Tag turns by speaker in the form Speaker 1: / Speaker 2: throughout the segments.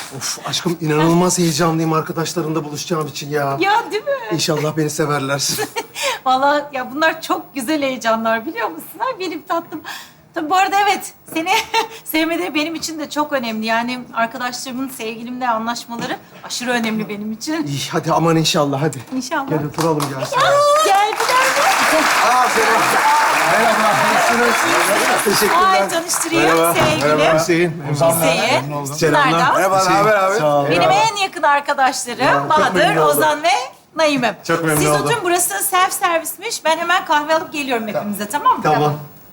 Speaker 1: Of aşkım inanılmaz heyecanlıyım arkadaşlarımla buluşacağım için ya.
Speaker 2: Ya değil mi?
Speaker 1: İnşallah beni severler.
Speaker 2: Vallahi ya bunlar çok güzel heyecanlar biliyor musun? Ha, benim tatlım. Tabii bu arada evet, seni sevmeleri benim için de çok önemli. Yani arkadaşlarımın sevgilimle anlaşmaları aşırı önemli benim için.
Speaker 1: İyi hadi aman inşallah hadi.
Speaker 2: İnşallah.
Speaker 1: Gel oturalım ya.
Speaker 2: Geldiler mi?
Speaker 1: Aa selam. Merhaba. Nasılsınız? Teşekkürler.
Speaker 2: Ay tanıştırayım sevgilim.
Speaker 1: Hüseyin.
Speaker 2: Hüseyin.
Speaker 1: Selamlar.
Speaker 3: Merhaba, ne haber abi?
Speaker 1: Sağ ol.
Speaker 2: Benim en yakın arkadaşlarım Bahadır,
Speaker 1: memnun oldum.
Speaker 2: Ozan ve Naim'im.
Speaker 1: Çok memnun
Speaker 2: Siz
Speaker 1: oldum.
Speaker 2: oturun, burası self servismiş. Ben hemen kahve alıp geliyorum hepimize, tamam mı?
Speaker 1: Tamam.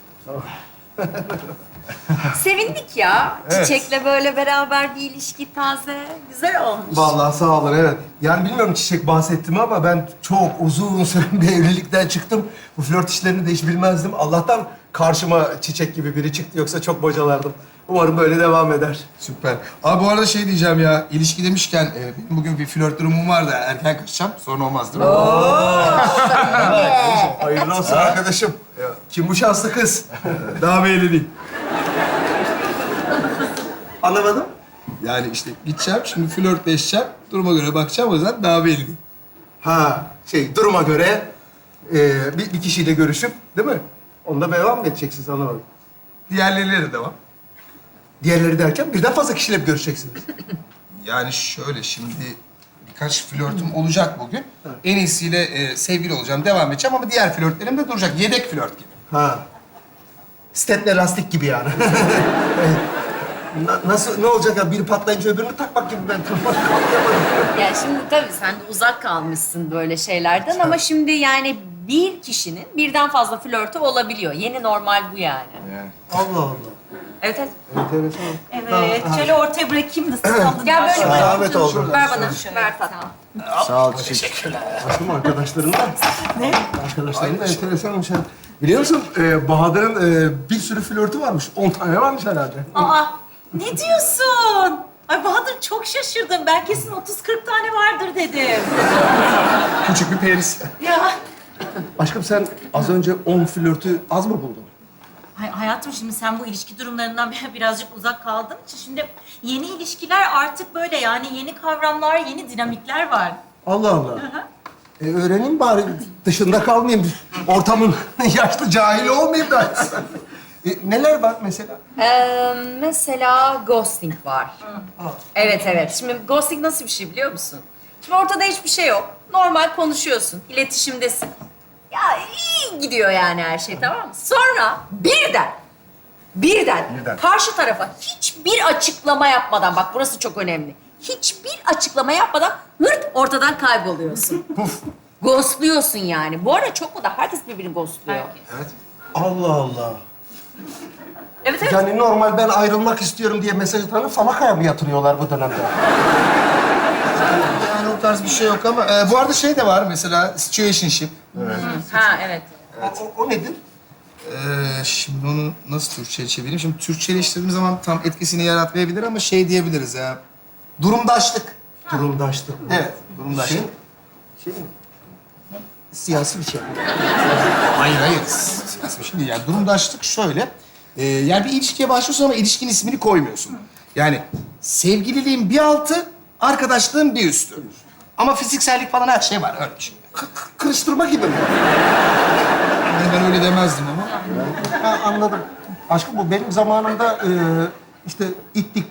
Speaker 4: Sevindik ya. Çiçek'le böyle beraber bir ilişki taze. Güzel olmuş.
Speaker 1: Vallahi sağ olun evet. Yani bilmiyorum Çiçek bahsetti mi ama ben çok uzun süre bir evlilikten çıktım. Bu flört işlerini de hiç bilmezdim. Allah'tan karşıma Çiçek gibi biri çıktı yoksa çok bocalardım. Umarım böyle devam eder.
Speaker 3: Süper. Abi bu arada şey diyeceğim ya, ilişki demişken benim bugün bir flört durumum var da erken kaçacağım. Sorun olmaz değil mi?
Speaker 1: Hayırlı olsun arkadaşım. Kim bu şanslı kız? Daha belli değil. Anlamadım.
Speaker 3: Yani işte gideceğim, şimdi flörtleşeceğim. Duruma göre bakacağım, o yüzden daha belli değil.
Speaker 1: Ha duruma göre bir kişiyle görüşüp değil mi? Onunla devam mı edeceksiniz anlamadım.
Speaker 3: Diğerleriyle de devam.
Speaker 1: Diğerleri derken birden fazla kişiyle mi görüşeceksiniz?
Speaker 3: Yani şöyle şimdi birkaç flörtüm olacak bugün. En iyisiyle sevgili olacağım, devam edeceğim ama diğer flörtlerim de duracak. Yedek flört gibi.
Speaker 1: Ha. Step'le lastik gibi yani. Nasıl, ne olacak ya? Biri patlayınca öbürünü takmak gibi ben tırmanıp kalkamadım.
Speaker 4: Ya şimdi tabii sen de uzak kalmışsın böyle şeylerden ama şimdi yani bir kişinin birden fazla flörtü olabiliyor. Yeni normal bu yani.
Speaker 1: Allah Allah.
Speaker 4: Evet evet.
Speaker 1: Enteresan.
Speaker 2: Evet, şöyle ortaya bırakayım da siz alın.
Speaker 4: Gel böyle bak.
Speaker 1: Zahmet oldu.
Speaker 4: Ver bana. Ver tatlım.
Speaker 3: Sağ ol, teşekkürler.
Speaker 1: Aslında arkadaşların da... Ne? Arkadaşların da enteresanmış ha. Biliyor musun Bahadır'ın bir sürü flörtü varmış. 10 tane varmış herhalde.
Speaker 2: Aa, ne diyorsun? Ay Bahadır çok şaşırdım. Ben kesin 30-40 tane vardır dedim.
Speaker 3: Küçük bir peris.
Speaker 2: Ya.
Speaker 1: Aşkım sen az önce 10 flörtü az mı buldun?
Speaker 2: Hayatım şimdi sen bu ilişki durumlarından birazcık uzak kaldığın için şimdi yeni ilişkiler artık böyle yani yeni kavramlar, yeni dinamikler var.
Speaker 1: Allah Allah. Öğreneyim bari dışında kalmayayım. Ortamın yaşlı cahili olmayayım da. Neler var mesela?
Speaker 4: Mesela ghosting var. Evet evet. Şimdi ghosting nasıl bir şey biliyor musun? Şimdi ortada hiçbir şey yok. Normal konuşuyorsun, iletişimdesin. Ya iyi gidiyor yani her şey, tamam mı? Sonra birden karşı tarafa hiçbir açıklama yapmadan, bak burası çok önemli. Hiçbir açıklama yapmadan hırt ortadan kayboluyorsun. Ghostluyorsun yani. Bu arada çok mu da herkes birbirini ghostluyor.
Speaker 1: Allah Allah.
Speaker 4: Evet evet.
Speaker 1: Yani normal ben ayrılmak istiyorum diye mesaj atanı falakaya mı yatırıyorlar bu dönemde?
Speaker 3: Yani o tarz bir şey yok ama bu arada şey de var mesela situationship.
Speaker 4: Ha evet.
Speaker 1: O nedir?
Speaker 3: Şimdi onu nasıl Türkçe'ye çevireyim? Şimdi Türkçeleştirdiğim zaman tam etkisini yaratmayabilir ama şey diyebiliriz ya. Durumdaşlık.
Speaker 1: Durumdaşlık.
Speaker 3: Evet, durumdaşlık.
Speaker 1: Şey mi? Siyasi bir şey.
Speaker 3: Hayır. Siyasi bir şey değil. Yani durumdaşlık şöyle. Yani bir ilişkiye başlıyorsun ama ilişkinin ismini koymuyorsun. Yani sevgililiğin bir altı, arkadaşlığın bir üstü. Ama fiziksellik falan her şey var. Öyle bir şey.
Speaker 1: Kırıştırma gibi mi?
Speaker 3: Yani ben öyle demezdim ama.
Speaker 1: Ha, anladım. Aşkım bu benim zamanımda işte itlik,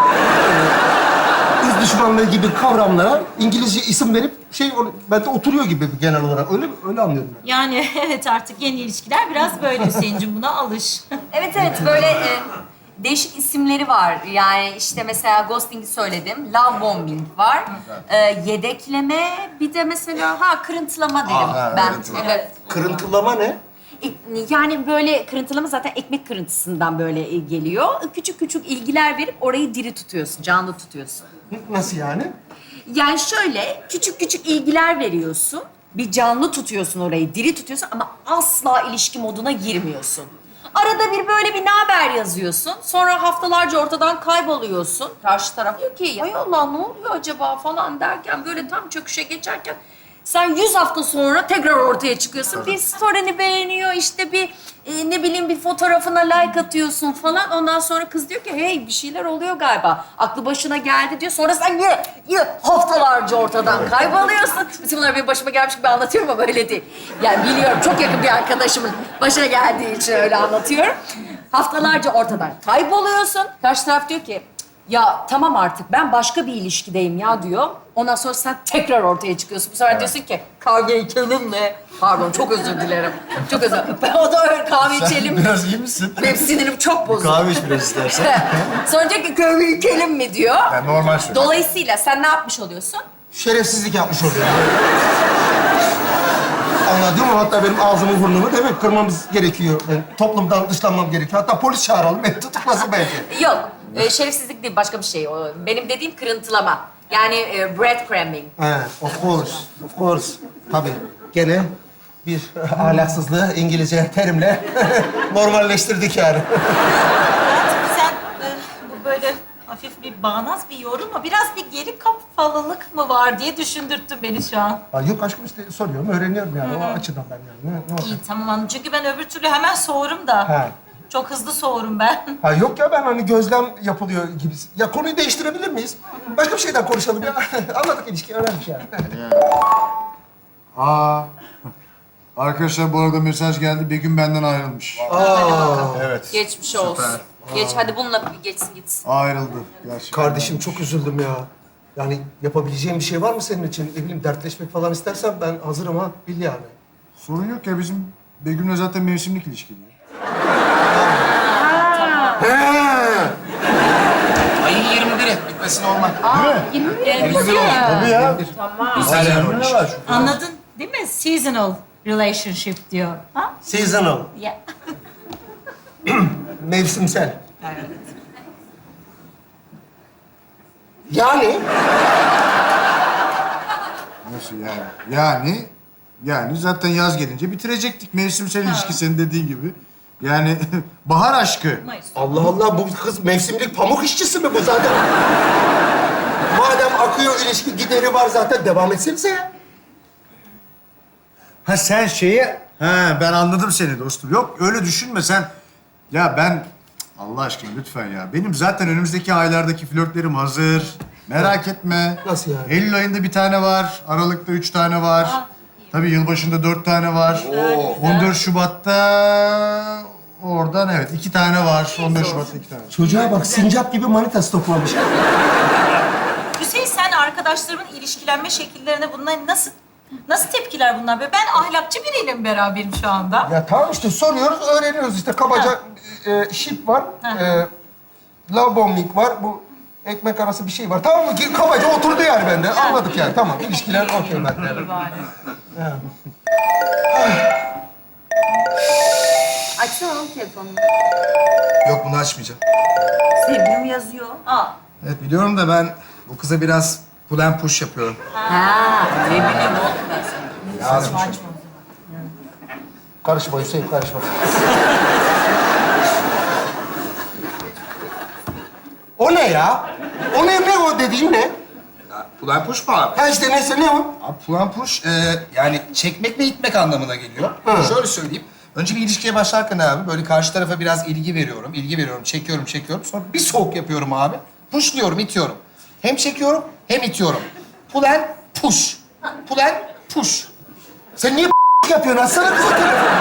Speaker 1: ırz düşmanlığı gibi kavramlara İngilizce isim verip bende oturuyor gibi genel olarak. Öyle anlıyorum ben.
Speaker 2: Yani evet artık yeni ilişkiler biraz böyle Hüseyin'cim, buna alış.
Speaker 4: Evet evet böyle değişik isimleri var. Yani işte mesela ghosting'i söyledim. Love bombing var. Yedekleme bir de mesela kırıntılama derim ben. Evet.
Speaker 1: Kırıntılama ne?
Speaker 4: Yani böyle kırıntılama zaten ekmek kırıntısından böyle geliyor. Küçük küçük ilgiler verip orayı diri tutuyorsun, canlı tutuyorsun.
Speaker 1: Nasıl yani?
Speaker 4: Yani şöyle küçük küçük ilgiler veriyorsun. Bir canlı tutuyorsun orayı, diri tutuyorsun ama asla ilişki moduna girmiyorsun. Arada bir böyle bir naber yazıyorsun. Sonra haftalarca ortadan kayboluyorsun. Karşı taraf diyor ki ay Allah ne oluyor acaba falan derken böyle tam çöküşe geçerken Sen 100 hafta sonra tekrar ortaya çıkıyorsun. Bir story'ni beğeniyor, işte bir ne bileyim bir fotoğrafına like atıyorsun falan. Ondan sonra kız diyor ki hey bir şeyler oluyor galiba. Aklı başına geldi diyor. Sonra sen yine haftalarca ortadan kayboluyorsun. Bütün bunlar benim başıma gelmiş gibi anlatıyorum ama öyle değil. Yani biliyorum çok yakın bir arkadaşımın başına geldiği için öyle anlatıyorum. Haftalarca ortadan kayboluyorsun. Karşı taraf diyor ki ya tamam artık ben başka bir ilişkideyim ya diyor. Ondan sonra sen tekrar ortaya çıkıyorsun. Bu sefer diyorsun ki kahve içelim mi? Pardon çok özür dilerim. Çok özür dilerim. O da öyle kahve içelim mi?
Speaker 3: Biraz iyi misin?
Speaker 4: Benim sinirim çok bozuldu.
Speaker 3: Kahve iç biraz istersen.
Speaker 4: Sonra diyor ki kahve içelim mi diyor.
Speaker 3: Yani normal söyle.
Speaker 4: Dolayısıyla sen ne yapmış oluyorsun?
Speaker 1: Şerefsizlik yapmış oluyor. Anladın mı? Hatta benim ağzımı burnumu demek kırmamız gerekiyor. Yani toplumdan dışlanmam gerekiyor. Hatta polis çağıralım, beni tutuklasın belki.
Speaker 4: Yok. Şerefsizlik değil başka bir şey. O, benim dediğim kırıntılama. Yani breadcrumbing.
Speaker 1: He, of course, of course. Tabii. Gene bir ahlaksızlığı İngilizce terimle normalleştirdik yani.
Speaker 2: Hayatım sen bu böyle hafif bir bağnaz bir yorum mu? Biraz bir geri kafalılık mı var diye düşündürttün beni şu an.
Speaker 1: Ha, yok aşkım işte soruyorum, öğreniyorum yani. O açıdan ben yani. Ne olacak?
Speaker 2: İyi tamam anladım. Çünkü ben öbür türlü hemen soğurum da.
Speaker 1: He.
Speaker 2: Çok hızlı soğurum ben.
Speaker 1: Ha yok ya ben hani gözlem yapılıyor gibi. Ya konuyu değiştirebilir miyiz? Başka bir şeyden konuşalım ya. Anladık ilişkiyi, öğrendik yani.
Speaker 5: Aa. Arkadaşlar bu arada mesaj geldi. Begüm benden ayrılmış. Evet.
Speaker 4: Geçmiş olsun. Geç hadi bununla bir geçsin gitsin.
Speaker 5: Ayrıldı gerçekten.
Speaker 1: Kardeşim çok üzüldüm ya. Yani yapabileceğin bir şey var mı senin için? Ne bileyim dertleşmek falan istersen ben hazırım ha. Bil yani.
Speaker 5: Sorun yok ya bizim Begüm'le zaten mevsimlik ilişki diyor.
Speaker 3: Ayın 21'i bitmesi normal.
Speaker 5: Değil mi?
Speaker 4: Tabii
Speaker 5: ya.
Speaker 3: Güzel
Speaker 5: Ne var şu?
Speaker 2: Anladın değil mi? Seasonal relationship diyor. Ha?
Speaker 1: Seasonal.
Speaker 2: Ya.
Speaker 1: Mevsimsel. Yani
Speaker 5: Nasıl yani? Yani zaten yaz gelince bitirecektik mevsimsel ilişki senin dediğin gibi. Yani bahar aşkı.
Speaker 2: Mayıs.
Speaker 1: Allah Allah bu kız mevsimlik pamuk işçisi mi bu zaten? Madem akıyor ilişki gideri var zaten devam etsenize ya.
Speaker 5: Ha sen ben anladım seni dostum. Yok öyle düşünme sen. Ya ben Allah aşkına lütfen ya. Benim zaten önümüzdeki aylardaki flörtlerim hazır. Merak etme.
Speaker 1: Nasıl yani?
Speaker 5: Eylül ayında bir tane var. Aralık'ta 3 tane var. Tabii yılbaşında 4 tane var. 14 Şubat'ta oradan evet 2 tane var. 14 Şubat'ta 2 tane.
Speaker 1: Çocuğa bak sincap gibi manita stoklamış.
Speaker 2: Hüseyin sen arkadaşlarımın ilişkilenme şekillerine bunlar nasıl tepkiler bunlar? Be? Ben ahlakçı biriyle beraberim şu anda.
Speaker 1: Ya tamam işte soruyoruz, öğreniyoruz işte. Kabaca şip var, love bombing var, bu ekmek arası bir şey var. Tamam mı? Kabaca oturdu yani bende. Anladık yani. Tamam, ilişkiler okey ben.
Speaker 4: Açsana oğlum telefonunu.
Speaker 3: Yok bunu açmayacağım.
Speaker 4: Sevgilim yazıyor. Aa.
Speaker 3: Evet biliyorum da ben bu kıza biraz pull and push yapıyorum.
Speaker 4: Ha, ne bileyim oğlum ben sana.
Speaker 3: Yazmış.
Speaker 1: Karışma Hüseyin, karışma. O ne ya? O ne o dediğin ne?
Speaker 3: Pull and push mu abi?
Speaker 1: Ha işte neyse ne o?
Speaker 3: Abi pull and push yani çekmek ve itmek anlamına geliyor. Şöyle söyleyeyim. Önce bir ilişkiye başlarken abi böyle karşı tarafa biraz ilgi veriyorum, çekiyorum. Sonra bir soğuk yapıyorum abi. Pushluyorum, itiyorum. Hem çekiyorum hem itiyorum. Pull and push. Pull and push.
Speaker 1: Sen niye yapıyorsun? Açsana kızı telefonu.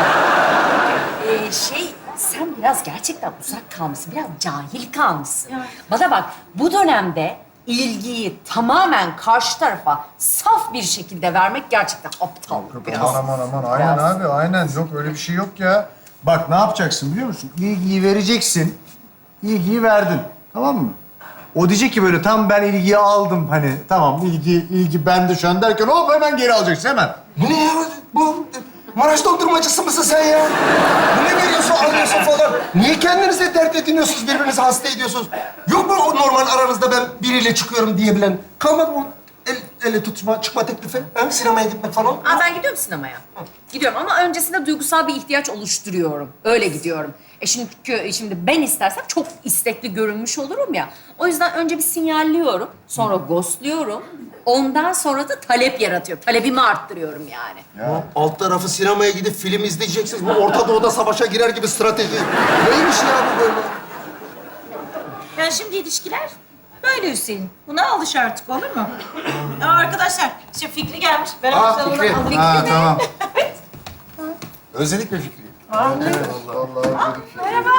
Speaker 4: Sen biraz gerçekten uzak kalmışsın, biraz cahil kalmışsın. Bana bak, bu dönemde ilgiyi tamamen karşı tarafa saf bir şekilde vermek gerçekten aptal biraz.
Speaker 5: Aman aynen
Speaker 4: Biraz.
Speaker 5: abi aynen yok öyle bir şey yok ya. Bak ne yapacaksın biliyor musun? İlgiyi vereceksin. İlgiyi verdin. Tamam mı? O diyecek ki böyle tam ben ilgiyi aldım hani tamam ilgi bende şu an derken hop hemen geri alacaksın hemen.
Speaker 1: Bu ne ya? Bu Maraş dondurmacısı mısın sen ya? Bu ne veriyorsun, alıyorsun falan? Niye kendinize dert ediniyorsunuz, birbirinizi hasta ediyorsunuz? Yok mu o normal aranızda ben biriyle çıkıyorum diyebilen? Kalmadı mı? ele tutma, çıkma teklifi? Ha? Sinemaya gitmek falan?
Speaker 4: Aa, ben gidiyorum sinemaya. Gidiyorum ama öncesinde duygusal bir ihtiyaç oluşturuyorum. Öyle gidiyorum. Şimdi ben istersem çok istekli görünmüş olurum ya. O yüzden önce bir sinyalliyorum, sonra ghostluyorum. Ondan sonra da talep yaratıyorum. Talebimi arttırıyorum yani.
Speaker 1: Alt tarafı sinemaya gidip film izleyeceksiniz. Bu Orta Doğu'da savaşa girer gibi strateji. Neymiş ya bu böyle?
Speaker 2: Yani şimdi ilişkiler böyle Hüseyin. Buna alış artık, olur mu? Arkadaşlar, işte Fikri gelmiş. Ben
Speaker 3: Aa, Fikri.
Speaker 5: Ha tamam.
Speaker 3: Özledik mi Fikri'yi?
Speaker 2: Merhaba.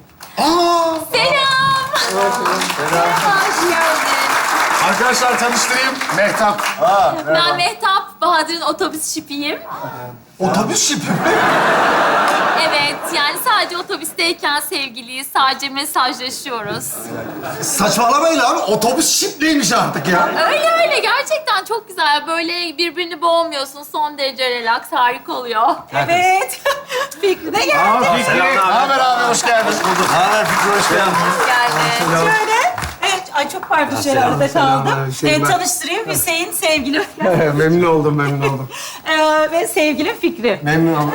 Speaker 3: Arkadaşlar tanıştırayım. Mehtap.
Speaker 6: Ben Mehtap, Bahadır'ın otobüs şipiyim.
Speaker 1: Otobüs şipi mi?
Speaker 6: Evet, yani sadece otobüsteyken sevgiliyiz, sadece mesajlaşıyoruz.
Speaker 1: Saçmalamayın abi. Otobüs şip neymiş artık ya?
Speaker 6: Öyle gerçekten çok güzel. Böyle birbirini boğmuyorsun, son derece relax, harika oluyor.
Speaker 2: Evet. Fikri de geldi.
Speaker 5: Aa Fikri.
Speaker 3: Ne haber abi? Hoş geldin.
Speaker 5: Ha Fikri hoş geldin.
Speaker 2: Şöyle. Evet, ay çok pardon şöyle arada kaldım.
Speaker 1: Hüseyin, ben-
Speaker 2: Tanıştırayım Hüseyin, sevgilim.
Speaker 1: Memnun oldum, memnun oldum.
Speaker 2: Ve sevgilim Fikri.
Speaker 1: Memnun oldum.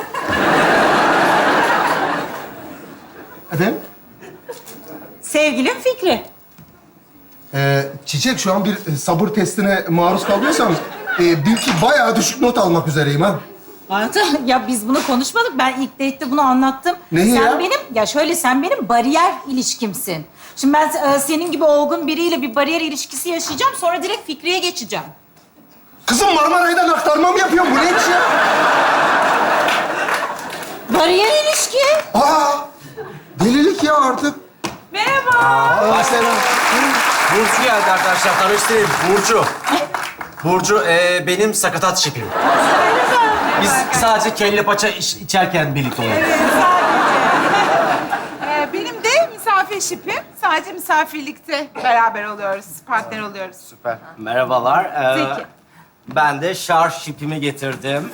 Speaker 1: Efendim?
Speaker 2: Sevgilim Fikri.
Speaker 1: Çiçek şu an bir sabır testine maruz kalıyorsanız bil ki bayağı düşük not almak üzereyim ha.
Speaker 2: Hayatım, ya biz bunu konuşmadık. Ben ilk date'te bunu anlattım.
Speaker 1: Neyi
Speaker 2: sen
Speaker 1: ya?
Speaker 2: sen benim bariyer ilişkimsin. Şimdi ben senin gibi olgun biriyle bir bariyer ilişkisi yaşayacağım. Sonra direkt Fikri'ye geçeceğim.
Speaker 1: Kızım Marmaray'dan aktarma mı yapıyorsun? Bu ne iş ya?
Speaker 2: Bariyer ilişki.
Speaker 1: Aa! Delilik ya artık.
Speaker 2: Merhaba.
Speaker 7: Burcu geldi arkadaşlar. Tanıştırayım. Burcu. Burcu benim sakatat şipim. Biz sadece kelle paça içerken birlikte oluyoruz.
Speaker 8: Benim de misafir şipim. Sadece misafirlikte beraber oluyoruz, partner oluyoruz.
Speaker 5: Süper.
Speaker 7: Merhabalar.
Speaker 8: Zeki.
Speaker 7: Ben de şarj şipimi getirdim.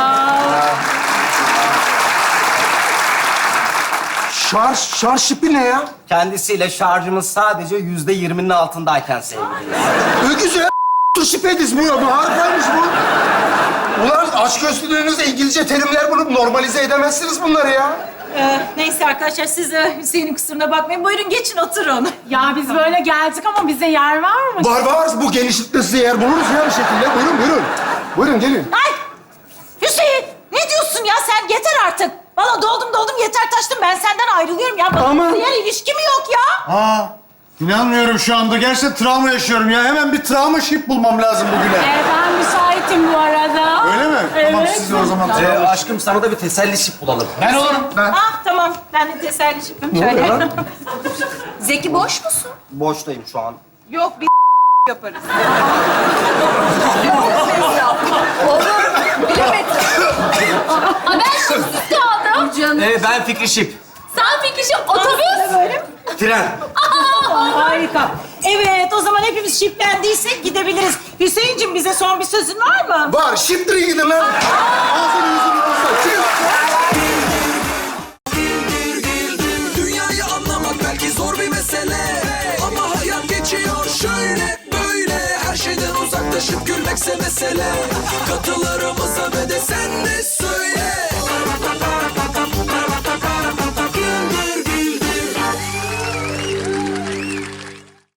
Speaker 1: Şarj şipi ne ya?
Speaker 7: Kendisiyle şarjımız sadece %20'nin altındayken sevgili.
Speaker 1: Öküz ya. Şipediz bu ya. Bu harikaymış bu. Ulan açgözlülüğünüzle İngilizce terimler bulup normalize edemezsiniz bunları ya.
Speaker 2: Neyse arkadaşlar, siz Hüseyin'in kusuruna bakmayın. Buyurun geçin, oturun.
Speaker 8: Ya biz böyle geldik ama bize yer var mı?
Speaker 1: Var. Bu genişlikte size yer buluruz ya bir şekilde. Buyurun. Buyurun gelin.
Speaker 2: Ay! Hüseyin! Ne diyorsun ya sen? Yeter artık. Valla doldum yeter taştım. Ben senden ayrılıyorum ya.
Speaker 1: Aman.
Speaker 2: Bariyer ilişki mi yok ya?
Speaker 5: Aa inanmıyorum şu anda. Gerçekten travma yaşıyorum ya. Hemen bir travma şip bulmam lazım bugüne.
Speaker 8: Ben müsaitim bu arada.
Speaker 5: Öyle mi? Tamam siz de o zaman travma.
Speaker 7: Aşkım sana da bir teselli şip bulalım.
Speaker 5: Ben olurum. Ben.
Speaker 2: Ah tamam. Ben de teselli şipim. Şöyle.
Speaker 4: Zeki boş musun?
Speaker 7: Boştayım şu an.
Speaker 8: Yok bir yaparız.
Speaker 6: Aa, ben şipsiz kaldım.
Speaker 7: Ben Fikri Şip.
Speaker 6: Sen Fikri Şip, otobüs.
Speaker 7: Tren.
Speaker 2: Harika. Evet, o zaman hepimiz şiplendiysek gidebiliriz. Hüseyin'cim, bize son bir sözün var mı?
Speaker 1: Var. Şiptirin gidin lan. Ağzını yüzünü tutsa. Çıkın.